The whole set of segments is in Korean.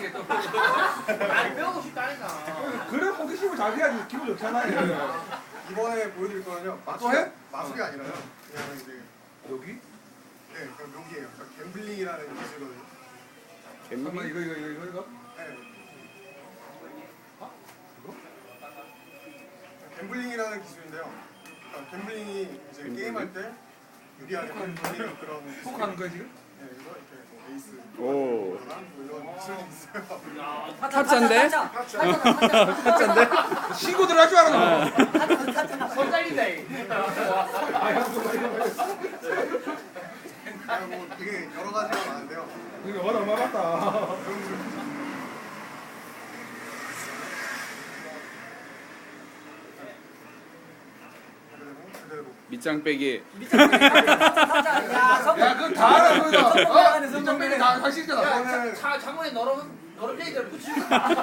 하게 또. 아니 배우고 싶다니까. 그래 호기심을 잘 해야지 기분 좋잖아요. 이번에 보여드릴 거는요. 또 해? 마술이 아니라요. 그냥 이제 여기? 네, 그냥 묘기예요. 그러니까 갬블링이라는 기술거든요. 잠깐만 이거. 네. 갬블링이라는 기술인데요. 그러니까 갬블링이 이제 게임할 때 유리하게 돌리는 그런 포크하는 거야 지금? 네, 그래서 이렇게 뭐 에이스 오. 이런 기술이 있어요. 타짜인데? 타짜인데? 신고 들어갈 줄 알았나? 손 잘린다. 뭐 되게 여러 가지가 많은데요. 이거 와다 얼마 봤다. 그대로 밑장 빼기. 야 그건 다 알아 그거. 민정맨이 다 사실이잖아. 차 창문에 너런 플레이를 붙이고.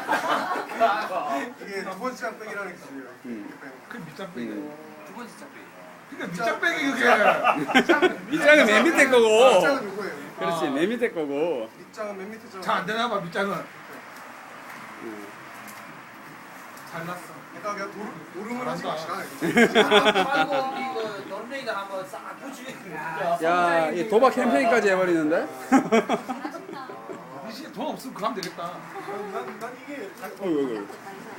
이게 두 번째 장백이라는 기술이에요. 그 밑장 빼기. 두 번째 짝배. 그러니까 밑장 빼기 그게. 밑장은 맨 밑에 거고. 밑장은 요거예요. 그렇지, 맨 밑에 거고. 밑장은 맨 밑에 장. 잘 안 되나 봐 밑장은. 잘났어. 그러니까 그냥 도름을 하지 잘한다. 마시라. 아이고 이거 너런 플레이를 한번 싹 붙이고. 야, 이 도박 캠페인까지 해버리는데? 이 시간 돈 없으면 그거 하면 되겠다. 난 이게 어이구.